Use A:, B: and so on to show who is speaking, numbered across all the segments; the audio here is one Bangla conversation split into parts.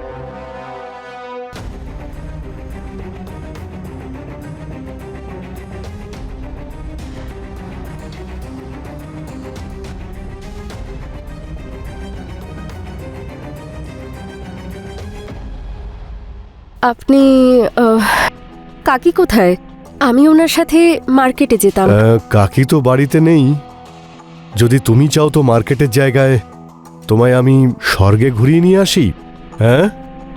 A: আপনি কাকি কোথায়? আমি ওনার সাথে মার্কেটে যেতাম।
B: কাকি তো বাড়িতে নেই। যদি তুমি চাও তো মার্কেটের জায়গায় তোমায় আমি স্বর্গে ঘুরিয়ে নিয়ে আসি। হ্যাঁ,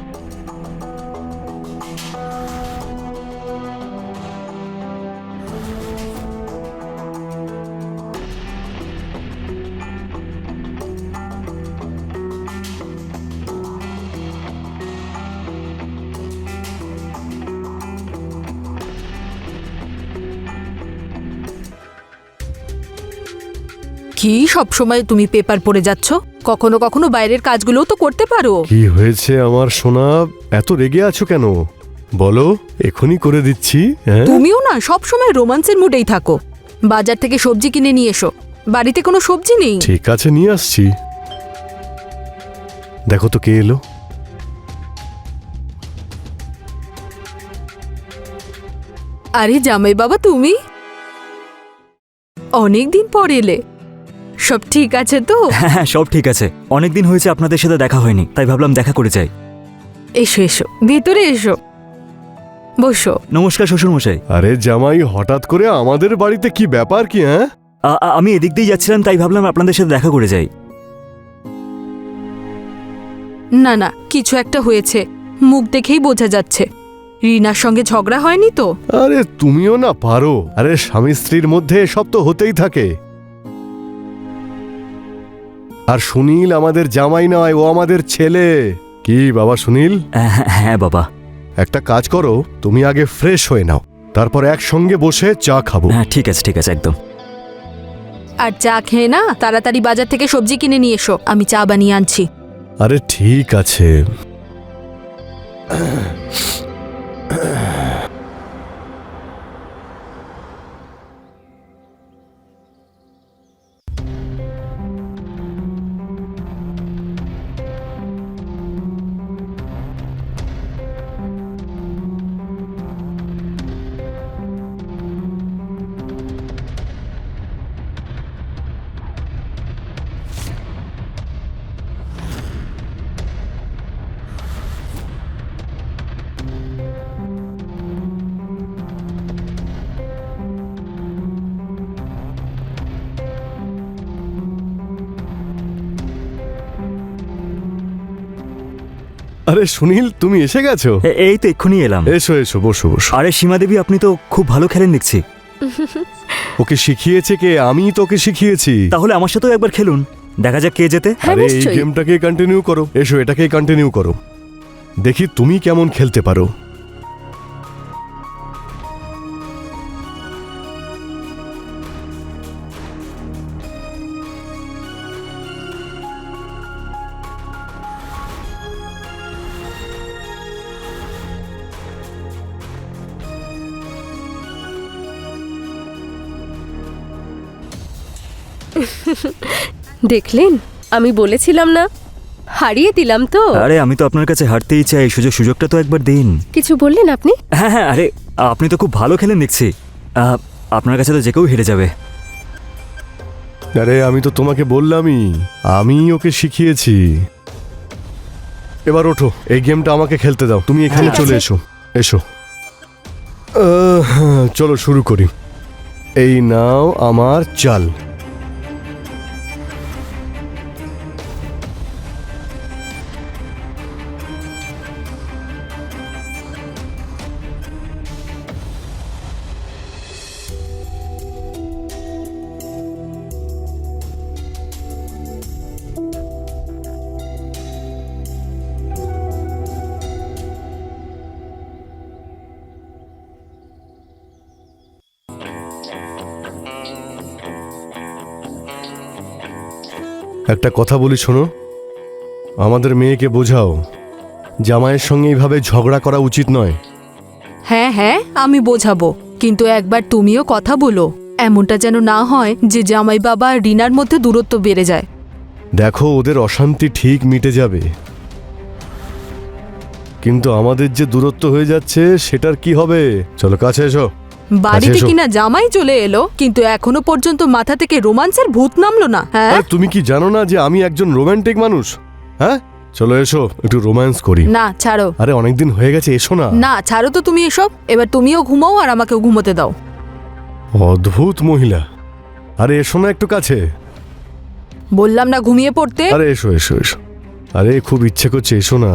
C: কি সব সময় তুমি পেপার পড়ে যাচ্ছ? কখনো কখনো বাইরের কাজগুলোও তো করতে পারো।
B: কি হয়েছে আমার সোনা? এত রেগে আছো কেন? বলো, এখনই করে দিচ্ছি। হ্যাঁ,
C: তুমিও না সব সময় রোমান্সের মুডেই থাকো। বাজার থেকে সবজি কিনে নিয়ে এসো। বাড়িতে কোনো সবজি নেই।
B: ঠিক আছে, নিয়ে আসছি। দেখো তো কে এলো।
C: আরে জামাই বাবা, তুমি অনেক দিন পর এলে। সব ঠিক আছে তো?
D: হ্যাঁ হ্যাঁ, সব ঠিক আছে। অনেকদিন হয়েছে আপনাদের সাথে দেখা হয়নি, তাই ভাবলাম দেখা করে যাই।
C: এসো এসো, ভেতরে এসো, বসো।
D: নমস্কার শ্বশুর মশাই।
B: আরে জামাই, হঠাৎ করে আমাদের বাড়িতে কি ব্যাপার কি? হ্যাঁ,
D: আমি এদিক দিয়ে যাচ্ছিলাম, তাই ভাবলাম আপনাদের সাথে দেখা করে যাই।
C: না না, কিছু একটা হয়েছে, মুখ দেখেই বোঝা যাচ্ছে। রিনার সঙ্গে ঝগড়া হয়নি তো?
B: আরে তুমিও না পারো। আরে স্বামী স্ত্রীর মধ্যে এসব তো হতেই থাকে। আর সুনীল আমাদের জামাই নয়, ও আমাদের ছেলে। কি বাবা সুনীল?
D: হ্যাঁ বাবা।
B: একটা কাজ করো, তুমি আগে ফ্রেশ হয়ে নাও, তারপর একসঙ্গে বসে চা খাবো।
D: হ্যাঁ ঠিক আছে একদম।
C: আর চা খেয়ে না তাড়াতাড়ি বাজার থেকে সবজি কিনে নিয়ে এসো, আমি চা বানিয়ে আনছি।
B: আরে ঠিক আছে। আরে সুনীল, তুমি এসে গেছো?
D: এই তো এক্ষুনি এলাম।
B: এসো এসো, বসো বসো।
D: আরে সীমা দেবী, আপনি তো খুব ভালো খেলেন দেখছি।
B: ওকে শিখিয়েছে কে? আমি তোকে শিখিয়েছি।
D: তাহলে আমার সাথেও একবার খেলুন, দেখা যাক কে জেতে।
B: আরে এই গেমটাকে কন্টিনিউ করো। এসো, এটাকেই কন্টিনিউ করো, দেখি তুমি কেমন খেলতে পারো।
A: দেখলেন, আমি বলেছিলাম না, হারিয়ে দিলাম তো।
D: আরে আমি তো আপনার কাছে হারতেই চাই, সুযোগটা তো একবার দিন।
A: কিছু বললেন আপনি?
D: হ্যাঁ হ্যাঁ, আরে আপনি তো খুব ভালো খেলেন দেখছি। আপনার কাছে তো যে কেউ হেরে যাবে।
B: আরে আমি তো তোমাকে বললামই, আমি ওকে শিখিয়েছি। এবার ওঠো, এই গেমটা আমাকে খেলতে দাও। তুমি এখানে চলে এসো। এসো, চলো শুরু করি। এই নাও আমার চাল। একটা কথা বলি, শোনো। আমাদের মেয়েকে বোঝাও, জামাইয়ের সঙ্গে এইভাবে ঝগড়া করা উচিত নয়।
C: হ্যাঁ হ্যাঁ, আমি বোঝাবো, কিন্তু একবার তুমিও কথা বলো। এমনটা যেন না হয় যে জামাই বাবা আর রিনার মধ্যে দূরত্ব বেড়ে যায়।
B: দেখো, ওদের অশান্তি ঠিক মিটে যাবে। কিন্তু আমাদের যে দূরত্ব হয়ে যাচ্ছে সেটার কি হবে? চলো কাছে এসো।
C: বাড়িতে
B: এসো।
C: কিনা জামাই চলে এলো, কিন্তু এখনো পর্যন্ত মাথা থেকে রোমান্সের ভূত নামলো না। হ্যাঁ,
B: আরে তুমি কি জানো না যে আমি একজন রোমান্টিক মানুষ? হ্যাঁ, চলো এসো একটু রোম্যান্স করি।
C: না ছাড়ো,
B: আরে অনেকদিন হয়ে গেছে, এসো না।
C: না ছাড়ো তো তুমি এসব। এবার তুমিও ঘুমাও আর আমাকেও ঘুমোতে দাও।
B: অদ্ভুত মহিলা। আরে এসো না একটু কাছে।
C: বললাম না ঘুমিয়ে পড়তে।
B: আরে এসো এসো এসো। আরে খুব ইচ্ছে করছে, এসো না।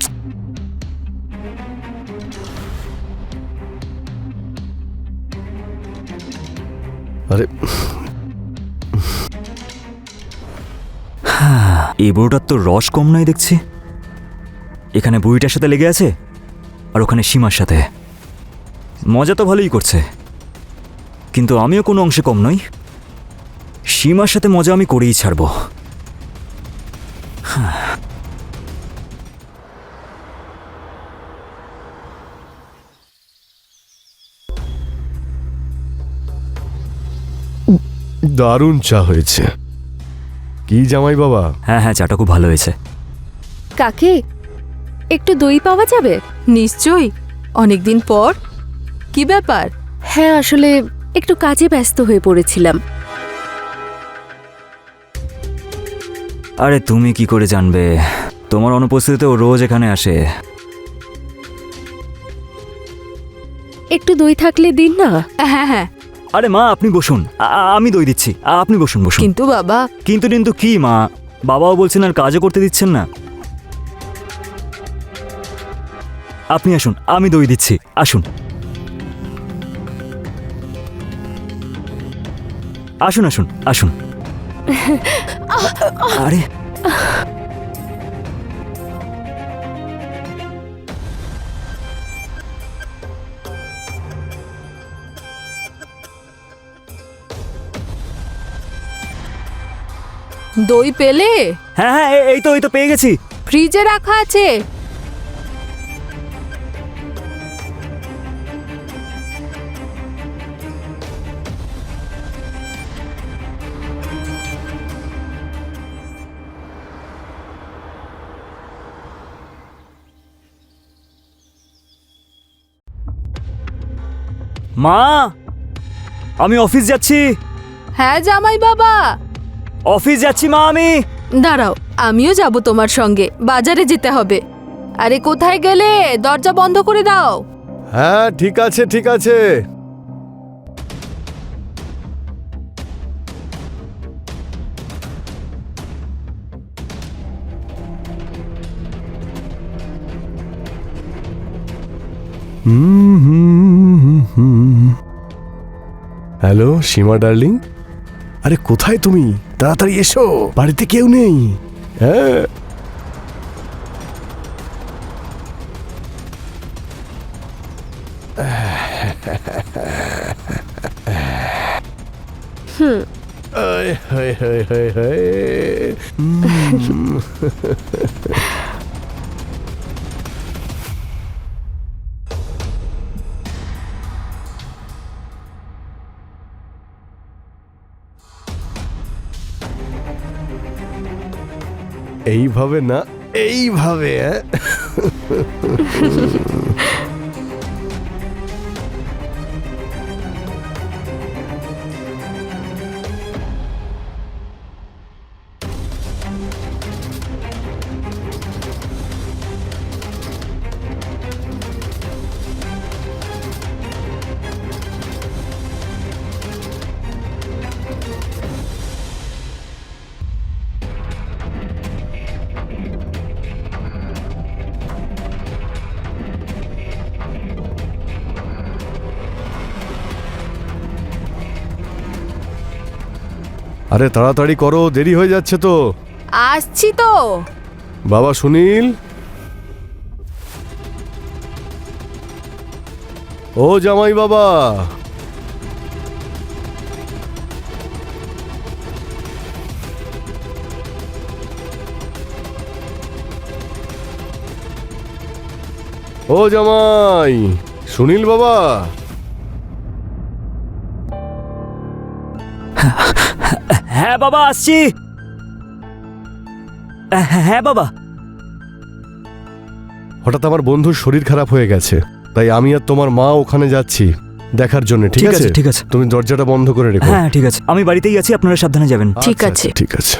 B: আরে
D: এই বুড়োটার তো রস কম নয় দেখছি। এখানে বুড়িটার সাথে লেগে আছে আর ওখানে সীমার সাথে। মজা তো ভালোই করছে, কিন্তু আমিও কোনো অংশে কম নই। সীমার সাথে মজা আমি করেই ছাড়ব।
B: দারুণ চা হয়েছে। কি জামাই বাবা?
D: হ্যাঁ হ্যাঁ, চাটা খুব ভালো হয়েছে।
A: কাকি, একটু দই পাওয়া যাবে?
C: নিশ্চয়ই, অনেকদিন পর। কি ব্যাপার?
A: হ্যাঁ, আসলে একটু কাজে ব্যস্ত হয়ে পড়েছিলাম।
D: আরে তুমি কি করে জানবে? তোমার অনুপস্থিতিতে ও রোজ এখানে আসে।
A: একটু দই থাকলে দিন না।
C: হ্যাঁ হ্যাঁ,
D: আরে মা, আপনি বসুন, আমি দই দিচ্ছি। আপনি বসুন বসুন।
C: কিন্তু বাবা।
D: কিন্তু কি মা? বাবাও বলছেন আর কাজও করতে দিচ্ছেন না। আপনি আসুন, আমি দই দিচ্ছি, আসুন আসুন আসুন আসুন। আরে
C: দই পেলে?
D: হ্যাঁ হ্যাঁ, এই তো পেয়ে গেছি।
C: ফ্রিজে রাখা আছে।
D: মা, আমি অফিস যাচ্ছি।
C: হ্যাঁ জামাই বাবা।
D: অফিস যাচ্ছি মা আমি।
C: দাঁড়াও, আমিও যাব তোমার সঙ্গে। বাজারে যেতে হবে। আরে কোথায় গেলে? দরজা বন্ধ করে দাও।
B: হ্যাঁ ঠিক আছে ঠিক আছে। হ্যালো সীমা ডার্লিং, আরে কোথায় তুমি? তাড়াতাড়ি এসো, বাড়িতে কেউ নেই। হ্যাঁ আয়, হায়, হায়, হায়, হায়। এইভাবে না, এইভাবে। হ্যাঁ আরে তাড়াতাড়ি করো, দেরি হয়ে যাচ্ছে তো।
C: আসছি তো।
B: বাবা সুনীল, ও জামাই বাবা। ও জামাই, সুনীল বাবা।
D: হ্যাঁ বাবা, আসছি। হ্যাঁ বাবা।
B: হঠাৎ আমার বন্ধুর শরীর খারাপ হয়ে গেছে, তাই আমি আর তোমার মা ওখানে যাচ্ছি দেখার জন্য। ঠিক আছে,
D: ঠিক আছে।
B: তুমি দরজাটা বন্ধ করে রেখো।
D: হ্যাঁ ঠিক আছে, আমি বাড়িতেই আছি, আপনারা সাবধানে যাবেন।
C: ঠিক
B: আচ্ছা,
C: আছে।
B: আচ্ছা, ঠিক আছে।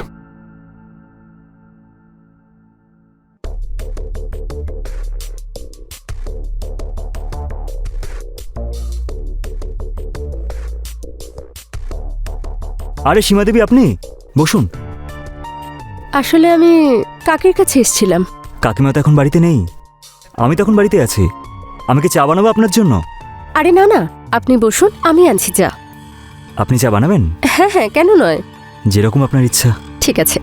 D: আরে সীমা দেবী, আপনি বসুন।
A: আসলে আমি কাকির কাছে এসেছিলাম।
D: কাকিমা তো এখন বাড়িতে নেই, আমি তখন বাড়িতে আছি। আমি কি চা বানাবো আপনার জন্য?
A: আরে না না, আপনি বসুন, আমি আনছি চা।
D: আপনি চা বানাবেন?
A: হ্যাঁ হ্যাঁ, কেন নয়।
D: যেরকম আপনার ইচ্ছা।
A: ঠিক আছে।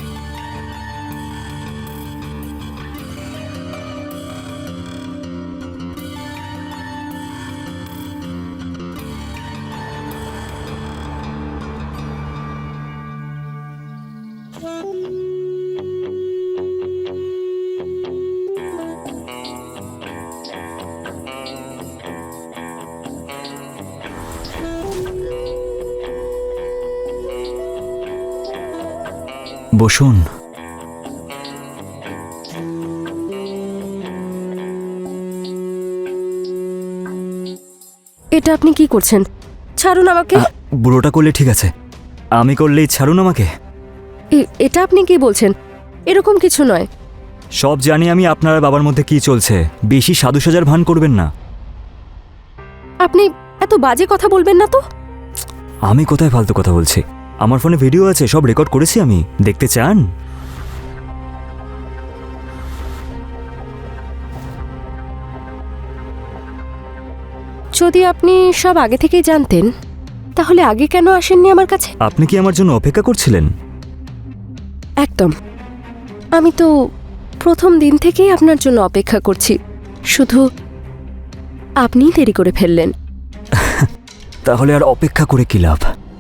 D: বসুন।
A: এটা আপনি কি করছেন? ছাড়ুন আমাকে।
D: বুড়োটা করলে ঠিক আছে, আমি করলেই ছাড়ুন আমাকে?
A: এটা আপনি কি বলছেন? এরকম কিছু নয়।
D: সব জানি আমি আপনার বাবার মধ্যে কি চলছে, বেশি সাধু সাজার ভান করবেন না।
A: আপনি এত বাজে কথা বলবেন না তো।
D: আমি কোথায় ফালতু কথা বলছি? আমার ফোনে ভিডিও আছে, সব রেকর্ড করেছি আমি। দেখতে চান?
A: যদি আপনি সব আগে থেকেই জানতেন, তাহলে আগে কেন আসেননি আমার কাছে?
D: আপনি কি আমার জন্য অপেক্ষা করছিলেন?
A: একদম। আমি তো প্রথম দিন থেকেই আপনার জন্য অপেক্ষা করছি, শুধু আপনিই দেরি করে ফেললেন।
D: তাহলে আর অপেক্ষা করে কি লাভ?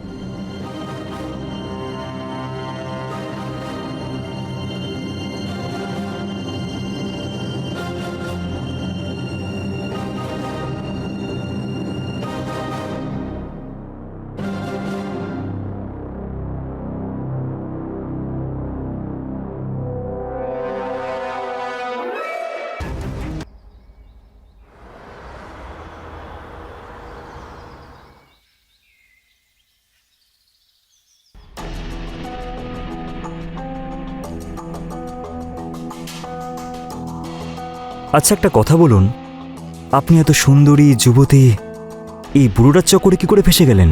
D: আচ্ছা একটা কথা বলুন, আপনি এত সুন্দরী যুবতী, এই বুড়োটার চক্করে কি করে ফেসে গেলেন?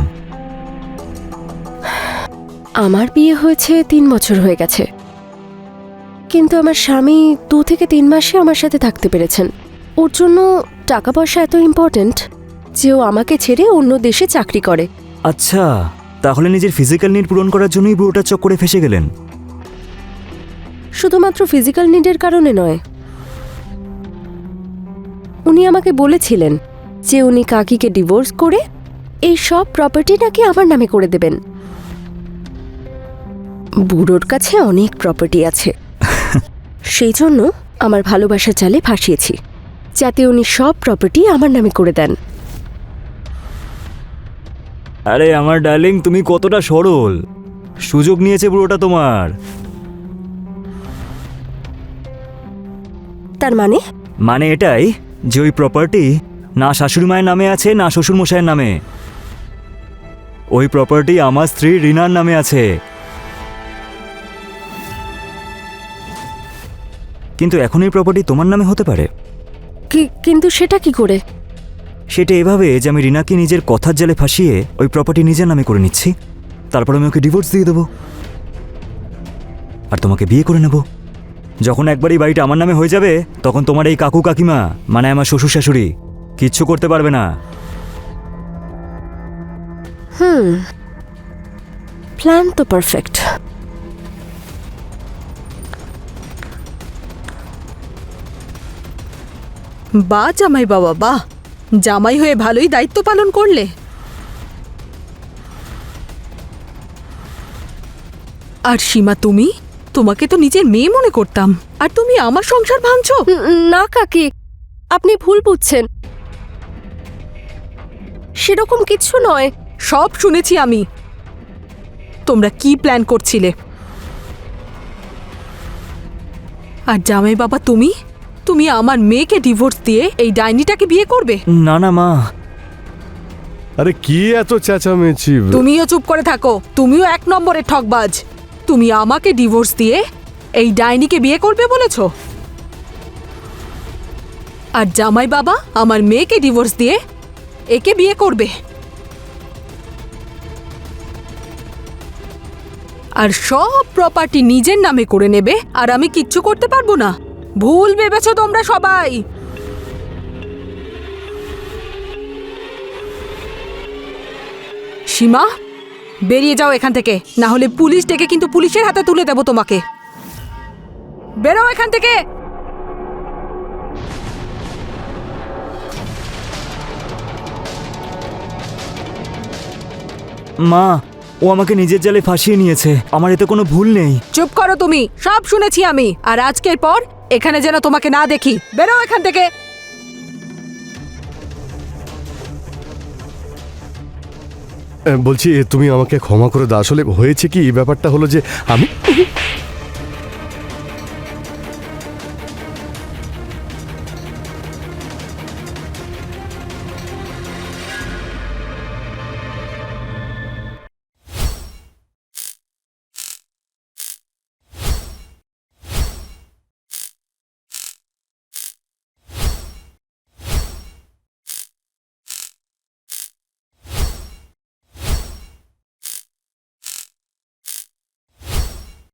A: আমার বিয়ে হয়েছে 3 বছর হয়ে গেছে, কিন্তু আমার স্বামী 2 থেকে 3 মাসে আমার সাথে থাকতে পেরেছেন। ওর জন্য টাকা পয়সা এত ইম্পর্ট্যান্ট যে ও আমাকে ছেড়ে অন্য দেশে চাকরি করে।
D: আচ্ছা, তাহলে নিজের ফিজিক্যাল নিড পূরণ করার জন্যই বুড়োটার চক্করে ফেসে গেলেন?
A: শুধুমাত্র ফিজিক্যাল নিডের কারণে নয়, উনি আমাকে বলেছিলেন যে উনি কাকিকে ডিভোর্স করে এই সব প্রপার্টি নাকি আমার নামে করে দেবেন। বুড়োর কাছে অনেক প্রপার্টি আছে, সেই জন্য আমার ভালোবাসার জালে ফাঁসিয়েছি, যাতে উনি সব প্রপার্টি আমার নামে করে দেন।
D: আরে আমার ডার্লিং, তুমি কতটা সরল! সুযোগ নিয়েছে বুড়োটা তোমার।
A: তার মানে?
D: মানে এটাই যে ওই প্রপার্টি না শাশুড়ি মায়ের নামে আছে না শ্বশুর মশাইয়ের নামে। ওই প্রপার্টি আমার স্ত্রী রিনার নামে আছে। কিন্তু এখন এই প্রপার্টি তোমার নামে হতে পারে।
A: কিন্তু সেটা কি করে?
D: সেটা এভাবে যে আমি রিনাকে নিজের কথার জালে ফাঁসিয়ে ওই প্রপার্টি নিজের নামে করে নিচ্ছি, তারপর আমি ওকে ডিভোর্স দিয়ে দেবো আর তোমাকে বিয়ে করে নেব। যখন একবার এই বাড়িটা আমার নামে হয়ে যাবে, তখন তোমার এই কাকু কাকিমা, মানে আমার শ্বশুর শাশুড়ি, কিচ্ছু করতে পারবে না।
A: প্ল্যান তো পারফেক্ট।
C: বাহ জামাই বাবা, বাহ! জামাই হয়ে ভালোই দায়িত্ব পালন করলে। আর সীমা, তোমাকে তো নিজের মেয়ে মনে করতাম, আর তুমি আমার সংসার ভাঙছো।
A: না কাকি, আপনি ভুল বুঝছেন, সেরকম কিছু নয়।
C: সব শুনেছি আমি। তোমরা কি প্ল্যান করছিলে। আর জামাই বাবা, তুমি আমার মেয়েকে ডিভোর্স দিয়ে এই ডাইনিটাকে বিয়ে করবে?
D: না না মা,
B: আরে কি এত চেঁচামেচি?
C: তুমিও চুপ করে থাকো, তুমিও এক নম্বরের ঠকবাজ। তুমি আমাকে ডিভোর্স দিয়ে এই ডাইনিকে বিয়ে করবে বলেছো, আর জামাই বাবা আমার মেয়েকে ডিভোর্স দিয়ে একে বিয়ে করবে, আর সব প্রপার্টি নিজের নামে করে নেবে, আর আমি কিচ্ছু করতে পারবো না। ভুল ভেবেছো তোমরা সবাই। সীমা, বেরিয়ে যাও এখান থেকে, না হলে পুলিশ ডেকে কিন্তু পুলিশের হাতে তুলে দেব তোমাকে। বেরো এখান থেকে।
D: মা ও আমাকে নিজের জালে ফাঁসিয়ে নিয়েছে, আমার এতে কোনো ভুল নেই।
C: চুপ করো তুমি, সব শুনেছি আমি, আর আজকের পর এখানে যেন তোমাকে না দেখি। বেরো এখান থেকে।
B: বলছি তুমি আমাকে ক্ষমা করে দাও, আসলে হয়েছে কি, এই ব্যাপারটা হলো যে আমি